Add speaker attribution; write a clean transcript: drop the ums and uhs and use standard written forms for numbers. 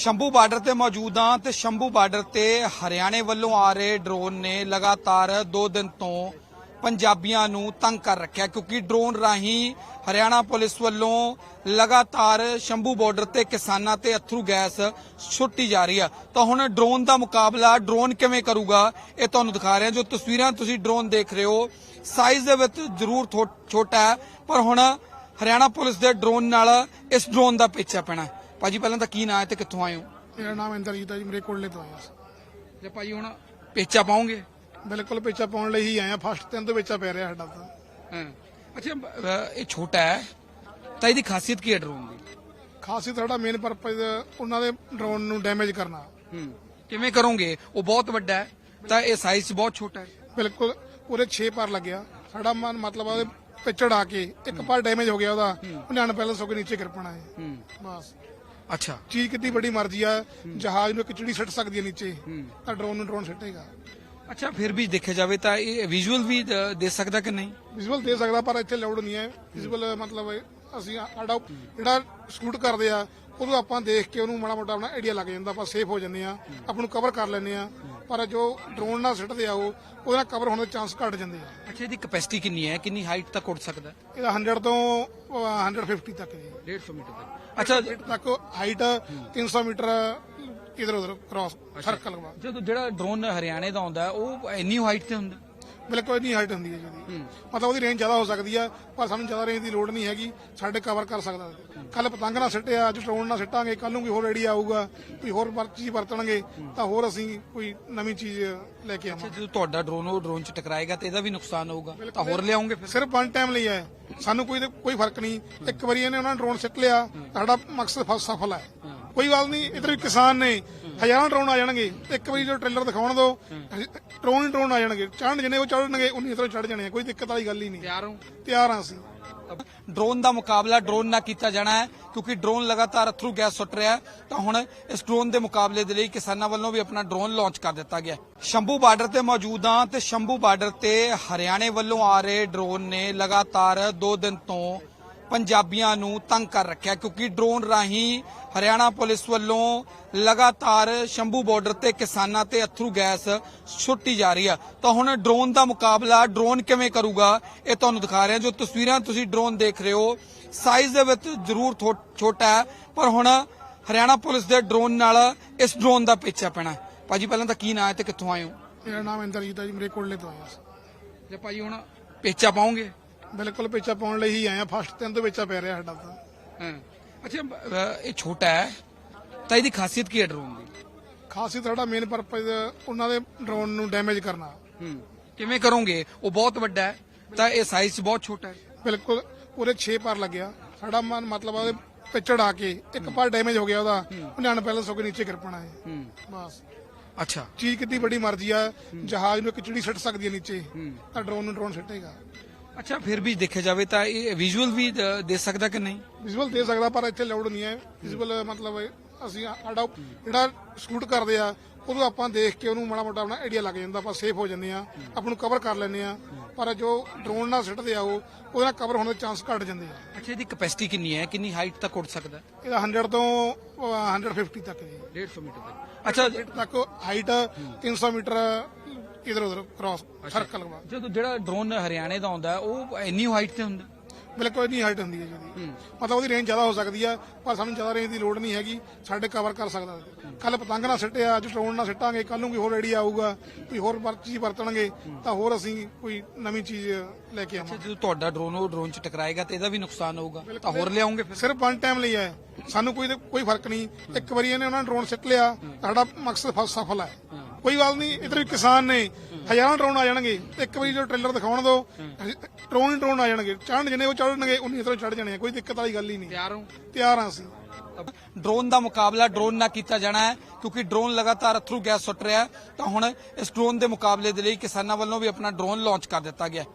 Speaker 1: Shambhu border ਤੇ ਮੌਜੂਦ ਹਾਂ ਤੇ ਸ਼ੰਭੂ ਬਾਰਡਰ ਤੇ ਹਰਿਆਣੇ ਵੱਲੋਂ ਆ ਰਹੇ ਡਰੋਨ ਨੇ ਲਗਾਤਾਰ 2 ਦਿਨ ਤੋਂ ਪੰਜਾਬੀਆਂ ਨੂੰ ਤੰਗ ਕਰ ਰੱਖਿਆ ਕਿਉਂਕਿ ਡਰੋਨ ਰਾਹੀਂ ਹਰਿਆਣਾ ਪੁਲਿਸ ਵੱਲੋਂ ਲਗਾਤਾਰ ਸ਼ੰਭੂ ਬਾਰਡਰ ਤੇ ਕਿਸਾਨਾਂ ਤੇ ਅਥਰੂ ਗੈਸ ਛੁੱਟੀ ਜਾ ਰਹੀ ਆ। ਤਾਂ ਹੁਣ ਡਰੋਨ ਦਾ ਮੁਕਾਬਲਾ ਡਰੋਨ ਕਿਵੇਂ ਕਰੂਗਾ ਇਹ ਤੁਹਾਨੂੰ ਦਿਖਾ ਰਹੇ ਹਾਂ। ਜੋ ਤਸਵੀਰਾਂ ਤੁਸੀਂ ਡਰੋਨ ਦੇਖ ਰਹੇ ਹੋ ਸਾਈਜ਼ ਦੇ ਵਿੱਚ ਜ਼ਰੂਰ ਛੋਟਾ ਹੈ ਪਰ ਹੁਣ ਹਰਿਆਣਾ ਪੁਲਿਸ ਦੇ ਡਰੋਨ ਨਾਲ ਇਸ ਡਰੋਨ ਦਾ ਪਿੱਛਾ ਪੈਣਾ। ਭਾਜੀ ਪਹਿਲਾਂ ਤਾਂ ਕੀ ਨਾਂ ਹੈ ਤੇ ਕਿੱਥੋਂ ਆਏ ਹੋ?
Speaker 2: ਮੇਰਾ ਨਾਮ ਇੰਦਰਜੀਤ ਹੈ ਜੀ, ਮੇਰੇ ਕੋਲੇ ਤੋਂ ਆਇਆ ਸੀ।
Speaker 1: ਤੇ ਭਾਜੀ ਹੁਣ ਪੇਚਾ ਪਾਉਂਗੇ?
Speaker 2: ਬਿਲਕੁਲ ਪੇਚਾ ਪਾਉਣ ਲਈ ਹੀ ਆਇਆ, ਫਸਟ ਦਿਨ ਤੋਂ ਪੇਚਾ ਪੈ ਰਿਹਾ ਸਾਡਾ ਤਾਂ।
Speaker 1: ਹਾਂ ਅੱਛਾ, ਇਹ ਛੋਟਾ ਹੈ ਤਾਂ ਇਹਦੀ ਖਾਸੀਅਤ ਕੀ ਹੈ ਡਰੋਨ ਦੀ?
Speaker 2: ਖਾਸੀਅਤ ਸਾਡਾ ਮੇਨ ਪਰਪਸ ਉਹਨਾਂ ਦੇ ਡਰੋਨ ਨੂੰ ਡੈਮੇਜ ਕਰਨਾ।
Speaker 1: ਕਿਵੇਂ ਕਰੋਗੇ? ਉਹ ਬਹੁਤ ਵੱਡਾ ਹੈ ਤਾਂ ਇਹ ਸਾਈਜ਼ ਬਹੁਤ ਛੋਟਾ ਹੈ।
Speaker 2: ਬਿਲਕੁਲ ਪੂਰੇ 6 ਪਰ ਲੱਗਿਆ ਸਾਡਾ ਮਤਲਬ ਉਹਦੇ ਤੇ ਚੜਾ ਕੇ ਇੱਕ ਪਰ ਡੈਮੇਜ ਹੋ ਗਿਆ ਉਹਦਾ, ਉਹਨੇ ਅਨਬੈਲੈਂਸ ਹੋ ਕੇ ਨੀਚੇ ਗਿਰਪਣਾ ਹੈ ਬਸ।
Speaker 1: ਅੱਛਾ,
Speaker 2: ਚੀਜ਼ ਕਿੰਨੀ ਵੱਡੀ ਮਰਜ਼ੀ ਆ, ਜਹਾਜ਼ ਨੂੰ ਇੱਕ ਚਿੜੀ ਸਿੱਟ ਸਕਦੀ ਹੈ ਨੀਚੇ ਤਾਂ ਡਰੋਨ ਨੂੰ ਡਰੋਨ ਸਿੱਟੇਗਾ।
Speaker 1: ਅੱਛਾ ਫਿਰ ਵੀ ਦੇਖਿਆ ਜਾਵੇ ਤਾਂ ਇਹ ਵਿਜ਼ੂਅਲ ਵੀ ਦੇ ਸਕਦਾ ਕਿ ਨਹੀਂ?
Speaker 2: ਵਿਜ਼ੂਅਲ ਦੇ ਸਕਦਾ ਪਰ ਇੱਥੇ ਲੋਡ ਨਹੀਂ ਹੈ। ਵਿਜ਼ੂਅਲ ਮਤਲਬ ਅਸੀਂ ਸਾਡਾ ਜਿਹੜਾ ਸ਼ੂਟ ਕਰਦੇ ਆ ਉਦੋਂ ਆਪਾਂ ਦੇਖ ਕੇ ਉਹਨੂੰ ਮਾੜਾ ਮੋਟਾ ਆਪਣਾ ਆਈਡੀਆ ਲੱਗ ਜਾਂਦਾ, ਆਪਾਂ ਸੇਫ ਹੋ ਜਾਂਦੇ ਆ, ਆਪਾਂ ਨੂੰ ਕਵਰ ਕਰ ਲੈਂਦੇ ਆ। ਪਰ ਜੋ ਡਰੋਨ ਨਾਲ ਸਿੱਟਦੇ ਆ ਉਹਦੇ ਨਾਲ ਕਵਰ ਹੋਣ ਦੇ ਚਾਂਸ ਘਟ ਜਾਂਦੇ ਆ।
Speaker 1: ਅੱਛਾ, ਇਹਦੀ ਕੈਪੈਸਿਟੀ ਕਿੰਨੀ ਹੈ? ਕਿੰਨੀ ਹਾਈਟ ਤੱਕ ਉੱਡ ਸਕਦਾ?
Speaker 2: ਇਹਦਾ 100 ਤੋਂ 150 ਤੱਕ ਜੀ,
Speaker 1: 150 ਮੀਟਰ ਤੱਕ। ਅੱਛਾ
Speaker 2: ਤੱਕ ਹਾਈਟ 300 ਮੀਟਰ ਇਧਰ ਉਧਰ ਕ੍ਰਾਸ ਸਰਕਲ ਵਾ।
Speaker 1: ਜਦੋਂ ਜਿਹੜਾ ਡਰੋਨ ਹਰਿਆਣੇ ਦਾ ਆਉਂਦਾ ਉਹ ਇੰਨੀ ਹਾਈਟ ਤੇ ਹੁੰਦਾ?
Speaker 2: ਬਿਲਕੁਲ ਇੰਨੀ ਹਾਈਟ ਹੁੰਦੀ ਹੈ ਜਿਹਦੀ, ਮਤਲਬ ਉਹਦੀ ਰੇਂਜ ਜ਼ਿਆਦਾ ਹੋ ਸਕਦੀ ਆ ਪਰ ਸਾਨੂੰ ਜ਼ਿਆਦਾ ਰੇਂਜ ਦੀ ਲੋੜ ਨਹੀਂ ਹੈਗੀ, ਸਾਡੇ ਕਵਰ ਕਰ ਸਕਦਾ। ਕੱਲ ਪਤੰਗ ਨਾਲ ਸਿੱਟਿਆ, ਅੱਜ ਡਰੋਨ ਨਾਲ ਸਿੱਟਾਂਗੇ, ਕੱਲ ਨੂੰ ਕੋਈ ਹੋਰ ਆਈਡੀਆ ਆਊਗਾ, ਕੋਈ ਹੋਰ ਚੀਜ਼ ਵਰਤਣਗੇ ਤਾਂ ਹੋਰ ਅਸੀਂ ਕੋਈ ਨਵੀਂ ਚੀਜ਼ ਲੈ ਕੇ ਆਵਾਂਗੇ।
Speaker 1: ਜਦੋਂ ਤੁਹਾਡਾ ਡਰੋਨ ਉਹ ਡਰੋਨ 'ਚ ਟਕਰਾਏਗਾ ਤੇ ਇਹਦਾ ਵੀ ਨੁਕਸਾਨ ਹੋਊਗਾ ਤਾਂ ਹੋਰ ਲਿਆਉਂਗੇ ਫਿਰ?
Speaker 2: ਸਿਰਫ 1 ਟਾਈਮ ਲਈ ਹੈ, ਸਾਨੂੰ ਕੋਈ ਫਰਕ ਨਹੀਂ। ਇੱਕ ਵਾਰੀ ਇਹਨੇ ਉਹਨਾਂ ਨੇ ਡਰੋਨ ਸਿੱਟ ਲਿਆ, ਸਾਡਾ ਮਕਸਦ ਸਫਲ ਹੈ। ਕੋਈ ਗੱਲ ਨਹੀਂ, ਇਧਰ ਵੀ ਕਿਸਾਨ ਨੇ, ਹਜ਼ਾਰਾਂ ਡਰੋਨ ਆ ਜਾਣਗੇ, ਇੱਕ ਵਾਰੀ ਜੋ ਟ੍ਰੇਲਰ ਦਿਖਾਉਣ ਦੋ ਡਰੋਨ ਆ ਜਾਣਗੇ, ਚੜ੍ਹਨ ਜਿੰਨੇ ਉਹ ਚੜ੍ਹਨਗੇ ਉਨੀ ਇਧਰੋਂ ਚੜ੍ਹ ਜਾਣੇ, ਕੋਈ ਦਿੱਕਤ ਵਾਲੀ ਗੱਲ ਹੀ ਨਹੀਂ। ਤਿਆਰ ਹਾਂ ਅਸੀਂ।
Speaker 1: ਡਰੋਨ ਦਾ ਮੁਕਾਬਲਾ ਡਰੋਨ ਨਾਲ ਕੀਤਾ ਜਾਣਾ ਹੈ ਕਿਉਂਕਿ ਡਰੋਨ ਲਗਾਤਾਰ ਅਥਰੂ ਗੈਸ ਸੁੱਟ ਰਿਹਾ ਹੈ। ਤਾਂ ਹੁਣ ਇਸ ਡਰੋਨ ਦੇ ਮੁਕਾਬਲੇ ਦੇ ਲਈ ਕਿਸਾਨਾਂ ਵੱਲੋਂ ਵੀ ਆਪਣਾ ਡਰੋਨ ਲਾਂਚ ਕਰ ਦਿੱਤਾ ਗਿਆ। ਸ਼ੰਭੂ ਬਾਰਡਰ ਤੇ ਮੌਜੂਦ ਹਾਂ ਤੇ ਸ਼ੰਭੂ ਬਾਰਡਰ ਤੇ ਹਰਿਆਣੇ ਵੱਲੋਂ ਆ ਰਹੇ ਡਰੋਨ ਨੇ ਲਗਾਤਾਰ 2 ਦਿਨ ਤੋਂ ਪੰਜਾਬੀਆਂ ਨੂੰ ਤੰਗ ਕਰ ਰੱਖਿਆ ਕਿਉਂਕਿ ਡਰੋਨ ਰਾਹੀਂ ਹਰਿਆਣਾ ਪੁਲਿਸ ਵੱਲੋਂ ਲਗਾਤਾਰ ਸ਼ੰਭੂ ਬਾਰਡਰ ਤੇ ਕਿਸਾਨਾਂ ਤੇ ਅਥਰੂ ਗੈਸ ਛੁੱਟੀ ਜਾ ਰਹੀ ਆ। ਤਾਂ ਹੁਣ ਡਰੋਨ ਦਾ ਮੁਕਾਬਲਾ ਡਰੋਨ ਕਿਵੇਂ ਕਰੂਗਾ ਇਹ ਤੁਹਾਨੂੰ ਦਿਖਾ ਰਹੇ ਹਾਂ। ਜੋ ਤਸਵੀਰਾਂ ਤੁਸੀਂ ਡਰੋਨ ਦੇਖ ਰਹੇ ਹੋ ਸਾਈਜ਼ ਦੇ ਵਿੱਚ ਜ਼ਰੂਰ ਛੋਟਾ ਹੈ ਪਰ ਹੁਣ ਹਰਿਆਣਾ ਪੁਲਿਸ ਦੇ ਡਰੋਨ ਨਾਲ ਇਸ ਡਰੋਨ ਦਾ ਪਿੱਛਾ ਪੈਣਾ। ਭਾਜੀ ਪਹਿਲਾਂ ਤਾਂ ਕੀ ਨਾਂ ਹੈ ਤੇ ਕਿੱਥੋਂ ਆਏ ਹੋ?
Speaker 2: ਮੇਰਾ ਨਾਮ ਇੰਦਰਜੀਤ ਹੈ ਜੀ, ਮੇਰੇ ਕੋਲੇ ਤੋਂ ਆਇਆ ਸੀ।
Speaker 1: ਤੇ ਭਾਜੀ ਹੁਣ ਪੇਚਾ ਪਾਉਂਗੇ?
Speaker 2: ਬਿਲਕੁਲ ਪੇਚਾ ਪਾਉਣ ਲਈ ਹੀ ਆਇਆ, ਫਸਟ ਦਿਨ ਤੋਂ ਪੇਚਾ ਪੈ ਰਿਹਾ ਸਾਡਾ ਤਾਂ।
Speaker 1: ਹਾਂ ਅੱਛਾ, ਇਹ ਛੋਟਾ ਹੈ ਤਾਂ ਇਹਦੀ ਖਾਸੀਅਤ ਕੀ ਹੈ ਡਰੋਨ ਦੀ?
Speaker 2: ਖਾਸੀਅਤ ਸਾਡਾ ਮੇਨ ਪਰਪਸ ਉਹਨਾਂ ਦੇ ਡਰੋਨ ਨੂੰ ਡੈਮੇਜ ਕਰਨਾ।
Speaker 1: ਕਿਵੇਂ ਕਰੋਗੇ? ਉਹ ਬਹੁਤ ਵੱਡਾ ਹੈ ਤਾਂ ਇਹ ਸਾਈਜ਼ ਬਹੁਤ ਛੋਟਾ ਹੈ।
Speaker 2: ਬਿਲਕੁਲ ਪੂਰੇ 6 ਪਰ ਲੱਗਿਆ ਸਾਡਾ ਮਤਲਬ ਉਹਦੇ ਤੇ ਚੜਾ ਕੇ ਇੱਕ ਪਰ ਡੈਮੇਜ ਹੋ ਗਿਆ ਉਹਦਾ, ਉਹਨੇ ਅਨਬੈਲੈਂਸ ਹੋ ਕੇ ਨੀਚੇ ਗਿਰਪਣਾ ਹੈ ਬਸ।
Speaker 1: ਅੱਛਾ,
Speaker 2: ਚੀਜ਼ ਕਿੰਨੀ ਵੱਡੀ ਮਰਜ਼ੀ ਆ, ਜਹਾਜ਼ ਨੂੰ ਇੱਕ ਚਿੜੀ ਸਿੱਟ ਸਕਦੀ ਹੈ ਨੀਚੇ ਤਾਂ ਡਰੋਨ ਨੂੰ ਡਰੋਨ ਸਿੱਟੇਗਾ।
Speaker 1: ਅੱਛਾ ਫਿਰ ਵੀ ਦੇਖਿਆ ਜਾਵੇ ਤਾਂ ਇਹ ਵਿਜ਼ੂਅਲ ਵੀ ਦੇ ਸਕਦਾ ਕਿ ਨਹੀਂ?
Speaker 2: ਵਿਜ਼ੂਅਲ ਦੇ ਸਕਦਾ ਪਰ ਇੱਥੇ ਲੋਡ ਨਹੀਂ ਹੈ। ਵਿਜ਼ੂਅਲ ਮਤਲਬ ਅਸੀਂ ਸਾਡਾ ਜਿਹੜਾ ਸ਼ੂਟ ਕਰਦੇ ਆ ਉਦੋਂ ਆਪਾਂ ਦੇਖ ਕੇ ਉਹਨੂੰ ਮਾੜਾ ਮੋਟਾ ਆਪਣਾ ਆਈਡੀਆ ਲੱਗ ਜਾਂਦਾ, ਆਪਾਂ ਸੇਫ ਹੋ ਜਾਂਦੇ ਆ, ਆਪਾਂ ਨੂੰ ਕਵਰ ਕਰ ਲੈਂਦੇ ਆ। ਪਰ ਜੋ ਡਰੋਨ ਨਾਲ ਸਿੱਟਦੇ ਆ ਉਹਦੇ ਨਾਲ ਕਵਰ ਹੋਣ ਦੇ ਚਾਂਸ ਘਟ ਜਾਂਦੇ ਆ।
Speaker 1: ਅੱਛਾ, ਇਹਦੀ ਕੈਪੈਸਿਟੀ ਕਿੰਨੀ ਹੈ? ਕਿੰਨੀ ਹਾਈਟ ਤੱਕ ਉੱਡ ਸਕਦਾ?
Speaker 2: ਇਹਦਾ 100 ਤੋਂ 150 ਤੱਕ ਜੀ,
Speaker 1: 150 ਮੀਟਰ ਤੱਕ। ਅੱਛਾ
Speaker 2: ਤੱਕ ਹਾਈਟ 300 ਮੀਟਰ ਇਧਰ ਉਧਰ ਕ੍ਰਾਸ ਸਰਕਲ ਵਾ।
Speaker 1: ਜਦੋਂ ਜਿਹੜਾ ਡਰੋਨ ਹਰਿਆਣੇ ਦਾ ਆਉਂਦਾ ਉਹ ਇੰਨੀ ਹਾਈਟ ਤੇ ਹੁੰਦਾ?
Speaker 2: ਬਿਲਕੁਲ ਇੰਨੀ ਹਾਈਟ ਹੁੰਦੀ ਹੈ ਜਿਹਦੀ, ਮਤਲਬ ਉਹਦੀ ਰੇਂਜ ਜ਼ਿਆਦਾ ਹੋ ਸਕਦੀ ਆ ਪਰ ਸਾਨੂੰ ਜ਼ਿਆਦਾ ਰੇਂਜ ਦੀ ਲੋੜ ਨਹੀਂ ਹੈਗੀ, ਸਾਡੇ ਕਵਰ ਕਰ ਸਕਦਾ। ਕੱਲ ਪਤੰਗ ਨਾਲ ਸਿੱਟਿਆ, ਅੱਜ ਡਰੋਨ ਨਾਲ ਸਿੱਟਾਂਗੇ, ਕੱਲ ਨੂੰ ਕੋਈ ਹੋਰ ਆਈਡੀਆ ਆਊਗਾ, ਕੋਈ ਹੋਰ ਚੀਜ਼ ਵਰਤਣਗੇ ਤਾਂ ਹੋਰ ਅਸੀਂ ਕੋਈ ਨਵੀਂ ਚੀਜ਼ ਲੈ ਕੇ ਆਵਾਂਗੇ।
Speaker 1: ਜਦੋਂ ਤੁਹਾਡਾ ਡਰੋਨ ਉਹ ਡਰੋਨ 'ਚ ਟਕਰਾਏਗਾ ਤੇ ਇਹਦਾ ਵੀ ਨੁਕਸਾਨ ਹੋਊਗਾ ਤਾਂ ਹੋਰ ਲਿਆਉਂਗੇ ਫਿਰ?
Speaker 2: ਸਿਰਫ 1 ਟਾਈਮ ਲਈ ਹੈ, ਸਾਨੂੰ ਕੋਈ ਫਰਕ ਨਹੀਂ। ਇੱਕ ਵਾਰੀ ਇਹਨੇ ਉਹਨਾਂ ਨੇ ਡਰੋਨ ਸਿੱਟ ਲਿਆ, ਸਾਡਾ ਮਕਸਦ ਸਫਲ ਹੈ। ਕੋਈ ਗੱਲ ਨਹੀਂ, ਇਧਰ ਵੀ ਕਿਸਾਨ ਨੇ, ਹਜ਼ਾਰਾਂ ਡਰੋਨ ਆ ਜਾਣਗੇ, ਇੱਕ ਵਾਰੀ ਜੋ ਟ੍ਰੇਲਰ ਦਿਖਾਉਣ ਦੋ ਡਰੋਨ ਆ ਜਾਣਗੇ, ਚੜ੍ਹਨ ਜਿੰਨੇ ਉਹ ਚੜ੍ਹਨਗੇ ਉਨੀ ਇਧਰੋਂ ਚੜ੍ਹ ਜਾਣੇ, ਕੋਈ ਦਿੱਕਤ ਵਾਲੀ ਗੱਲ ਹੀ ਨਹੀਂ। ਤਿਆਰ ਹਾਂ ਅਸੀਂ।
Speaker 1: ਡਰੋਨ ਦਾ ਮੁਕਾਬਲਾ ਡਰੋਨ ਨਾਲ ਕੀਤਾ ਜਾਣਾ ਹੈ ਕਿਉਂਕਿ ਡਰੋਨ ਲਗਾਤਾਰ ਅਥਰੂ ਗੈਸ ਸੁੱਟ ਰਿਹਾ ਹੈ। ਤਾਂ ਹੁਣ ਇਸ ਡਰੋਨ ਦੇ ਮੁਕਾਬਲੇ ਦੇ ਲਈ ਕਿਸਾਨਾਂ ਵੱਲੋਂ ਵੀ ਆਪਣਾ ਡਰੋਨ ਲਾਂਚ ਕਰ ਦਿੱਤਾ ਗਿਆ।